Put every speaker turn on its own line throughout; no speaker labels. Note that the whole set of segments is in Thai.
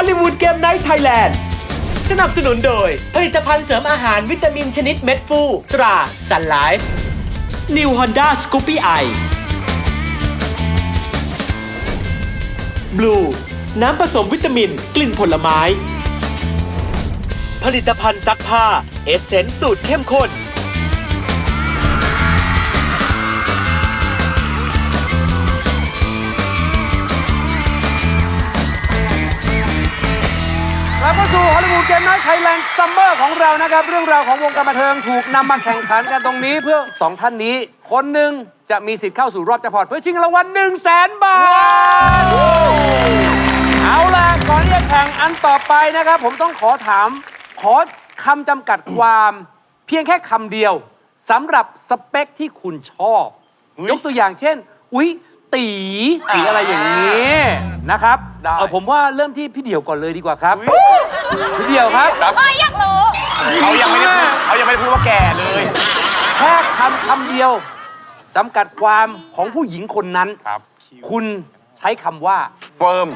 อลลีวูดเกมไนท์ไทยแลนด์สนับสนุนโดยผลิตภัณฑ์เสริมอาหารวิตามินชนิดเม็ดฟูตราซันไลฟ์ New Honda Scoopy I Blue น้ำผสมวิตามินกลิ่นผลไม้ผลิตภัณฑ์ซักผ้าเอสเซนส์สูตรเข้มข้น
กลับมาสู่ฮอลลีวูดเกมไนท์ไทยแลนด์ซัมเมอร์ของเรานะครับเรื่องราวของวงการบันเทิงถูกนำมาแข่งขันกันตรงนี้เพื่อ2ท่านนี้คนหนึ่งจะมีสิทธิ์เข้าสู่รอบแจ็คพอตเพื่อชิงรางวัล100,000 บาทเอาล่ะก่อนที่จะแข่งอันต่อไปนะครับผมต้องขอคำจำกัดความเพียงแค่คำเดียวสำหรับสเปคที่คุณชอบยกตัวอย่างเช่นอุ๊ยตีอะไรอย่างนี้นะครับผมว่าเริ่มที่พี่เดี่ยวก่อนเลยดีกว่าครับพี่เดี่ยวครับ
อยากรู้
เขายังไม่ได้พูดว่าแก่เลย
แค่คำเดียวจำกัดความของผู้หญิงคนนั้นคุณใช้คำว่า
เฟิร์ม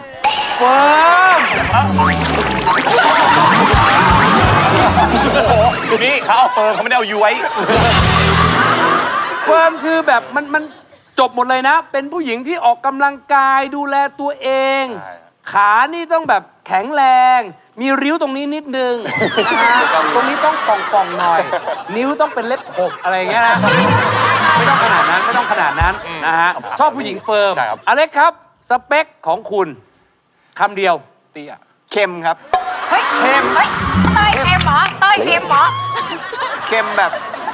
นี่เขาเอาเฟิร์มเขาไม่ได้เอาย้วย
เฟิร์มคือแบบมันจบหมดเลยนะเป็นผู้หญิงที่ออกกำลังกายดูแลตัวเองขานี่ต้องแบบแข็งแรงมีริ้วตรงนี้นิดนึงนะฮะตรงนี้ต้องป่องๆหน่อยนิ้วต้องเป็นเล็บขบอะไรเงี้ยนะไม่ต้องขนาดนั้นนะฮะชอบผู้หญิงเฟิร์มอเล็กครับสเปคของคุณคำเดียว
เตี้ย
เค็มครับ
เฮ้ยเค็มเฮ้ยเต้ยเค็มเหรอเต้ยเค็มเหรอ
เค็มแบบ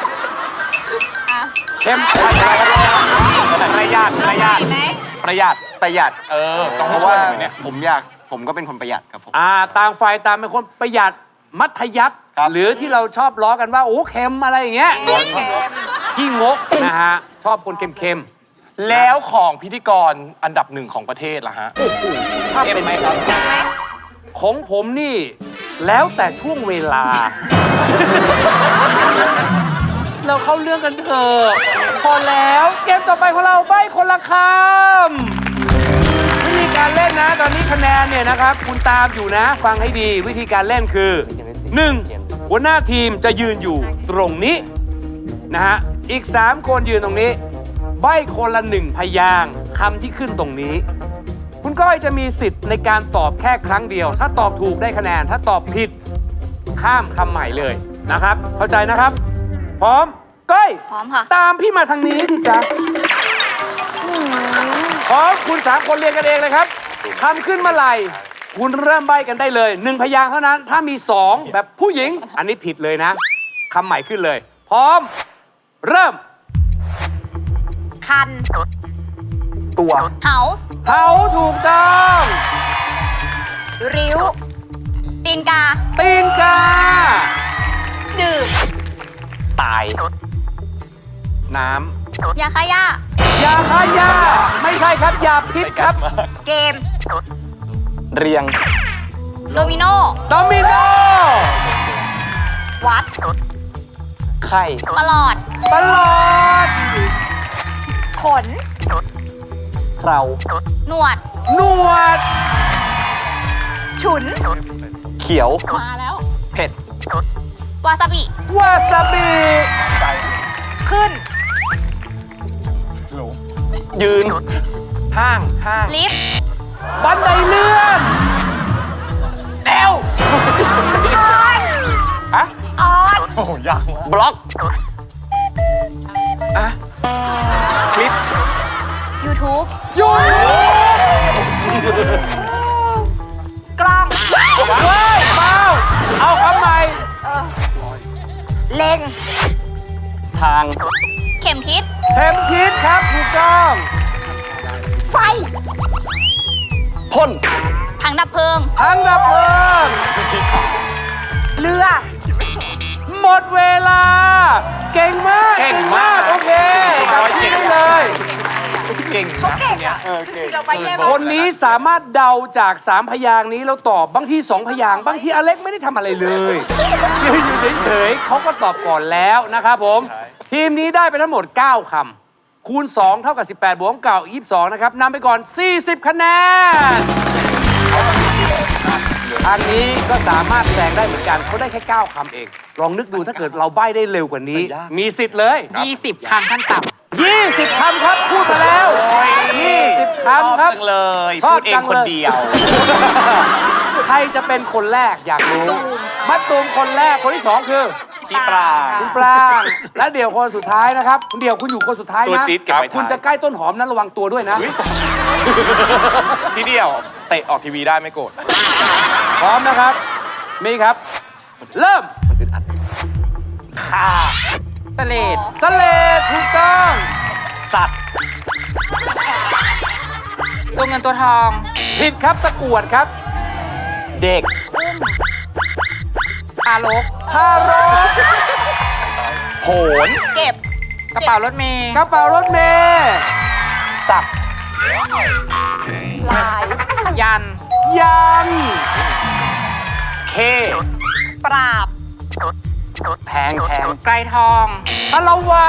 เค็ม
ประหยัด
ประหยัดเพราะว่าผมก็เป็นคนประหยัดครับผม
ต่างฝ่ายต่างเป็นคนประหยัดมัธยัสถ์หรือที่เราชอบล้อกันว่าโอ้เค็มอะไรอย่างเงี้ยที่งกนะฮะชอบคนเค็ม
แล้วของพิธีกรอันดับหนึ่งของประเทศล่ะฮะ
ถ้าเป็นไหมครับของผมนี่แล้วแต่ช่วงเวลาเราเข้าเรื่องกันเถอะพอแล้วเกมต่อไปของเราใบ้คนละคำวิธีการเล่นนะตอนนี้คะแนนเนี่ยนะครับคุณตามอยู่นะฟังให้ดีวิธีการเล่นคือ 1. หัวหน้าทีมจะยืนอยู่ตรงนี้นะฮะอีก3คนยืนตรงนี้ใบ้คนละ1พยางค์คำที่ขึ้นตรงนี้คุณก้อยจะมีสิทธิ์ในการตอบแค่ครั้งเดียวถ้าตอบถูกได้คะแนนถ้าตอบผิดข้ามคำใหม่เลยนะครับเข้าใจนะครับพร้อมก้อย
พร้อมค่ะ
ตามพี่มาทางนี้สิจ๊ะพร้อมคุณ3คนเรียนกันเองเลยครับคำขึ้นเมื่อไหร่คุณเริ่มใบ้กันได้เลย1พยางค์เท่านั้นถ้ามี2แบบผู้หญิงอันนี้ผิดเลยนะคำใหม่ขึ้นเลยพร้อมเริ่ม
คัน
ตัว
เหา
ถูกต้อง
ริ้วตีนกาดื่ม
ตายน้
ำยาฆ่าหญ้
ายาฆ่าหญ้าไม่ใช่ครับยาพิษครับ
เกม
เรียง
โดมิโนวัด
ไข่
ตลอดขน
เรา
หนวดฉุน
เขียว
มาแล้ว
เผ็ด
วาซาบิขึ้น
ยืนห้าง
ลิฟต์
บันไดเลื่อน
แนว
ออน
โอ้ยาก
บล็อกคลิป
YouTube กล้อง
เปล่าเอาคำใหม่
เล็ง
ทาง
เข็มทิศ
ครับถูกต้อง
ไฟ
พ่น
ถังดับเพลิงเรือ
หมดเวลาเก่งมากโอเคกลับที่ได้เลย
เขาเก่งอ่ะ
คนนี้สามารถเดาจาก3พยางค์นี้แล้วตอบบางที2พยางค์บางทีอเล็กไม่ได้ทำอะไรเลยยืนอยู่เฉยๆเขาก็ตอบก่อนแล้วนะครับผมทีมนี้ได้ไปทั้งหมด9คำคูณ2เท่ากับ18บวก22นะครับนำไปก่อน40คะแนนทางนี้ก็สามารถแซงได้เหมือนกันเขาได้แค่ 9 คำเอง ลองนึกดูถ้าเกิดเราใบ้ได้เร็วกว่านี้ มีสิทธิ์เลย
20 คำขั้นต่
20 คำครับ พูดมาแล้ว 20 คำครับ
จังเลย
ชอบ
พูดเอง
จังเลย
คนเดียว
ใครจะเป็นคนแรกอยากรู้มัดตูมคนแรกคนที่ 2 คือ
พี่ปลา
คุณปรางและเดี่ยวคนสุดท้ายนะครับคุณเดี่ยวคุณอยู่คนสุดท้าย
ตัว
นะ
จี๊ดเก็บไว้ท้าย
คุณจะใกล้ต้นหอมนั้นระวังตัวด้วยนะ
พี่เดียวเตะออกทีวีได้ไม่โกรธ
พร้อมนะครับ มีครับ เริ่ม
ำสเลด
สเลดถูกต้อง
สัตว์
ตัวเงินตัวทอง
ผิดครับตะกรวดครับ
เด็ก
ทารก
ทารก
โหน
เก็บ กระเป๋ารถเมย์
กระเป๋ารถเมย์
สับ
ลาย ยัน
ยัน
เค
ปราบ
แพง
ไกรทอง
พลวัน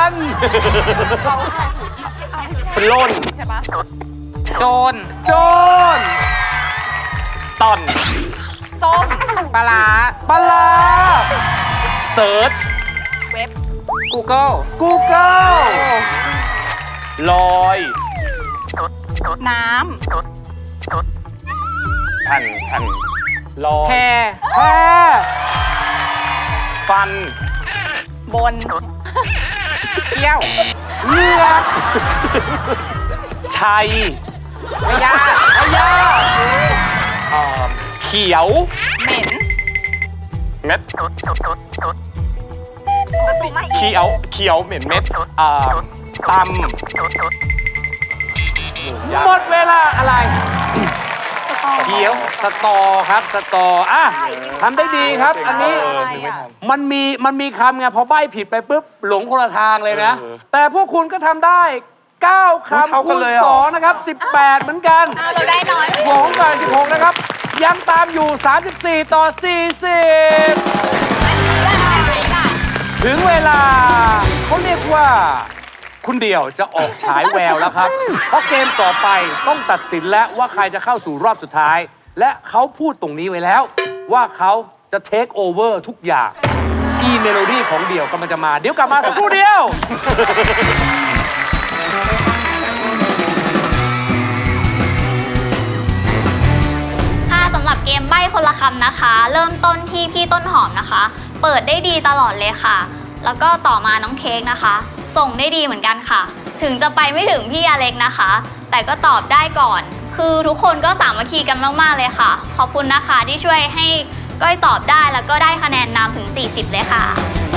ปล้น
ใช่ปะโจร
โจร
ตอน
ส้มปลาร้า
ปลา
เซิร์ช
เว็บ Google
Google
ลอย
น้
แผ่นลอ
ำ แพ
ย
แพร
ฟัน
บน เกี้ยว
เลือก
ชัย
พยา
พยา
เขียว
เหม็น
เม็ด
ประตูไม่
เขียวเหม็นเม็ดตำ
หมดเวลาอะไร เขียวสตอครับสตออ่ะทำได้ดีครับ อันนี้ มันมีคำไงพอใบ้ผิดไปปุ๊บหลงคนละทางเลยนะ แต่พวกคุณก็ทำได้ 9 คำคูณ2นะครับ 18 เหมือนกัน
เราได้น้อย
ของก่อน16 นะครับ ยังตามอยู่ 34 ต่อ 40 ถึงเวลาเขาเรียกว่า คุณเดี่ยวจะออกฉายแววแล้วครับ เพราะเกมต่อไปต้องตัดสินแล้วว่าใครจะเข้าสู่รอบสุดท้าย และเขาพูดตรงนี้ไว้แล้ว ว่าเขาจะเทคโอเวอร์ทุกอย่าง อีเมโลดี้ของเดี่ยวกำลังจะมา เดี๋ยวกลับมาสักครู่เดียว
ค่ะสำหรับเกมใบ้คนละคำนะคะ เริ่มต้นที่พี่ต้นหอมนะคะ เปิดได้ดีตลอดเลยค่ะ แล้วก็ต่อมาน้องเค้กนะคะ ส่งได้ดีเหมือนกันค่ะ ถึงจะไปไม่ถึงพี่อเล็กนะคะ แต่ก็ตอบได้ก่อน คือทุกคนก็สามัคคีกันมากๆเลยค่ะ ขอบคุณนะคะที่ช่วยให้ก้อยตอบได้แล้วก็ได้คะแนนนำถึง 40 เลยค่ะ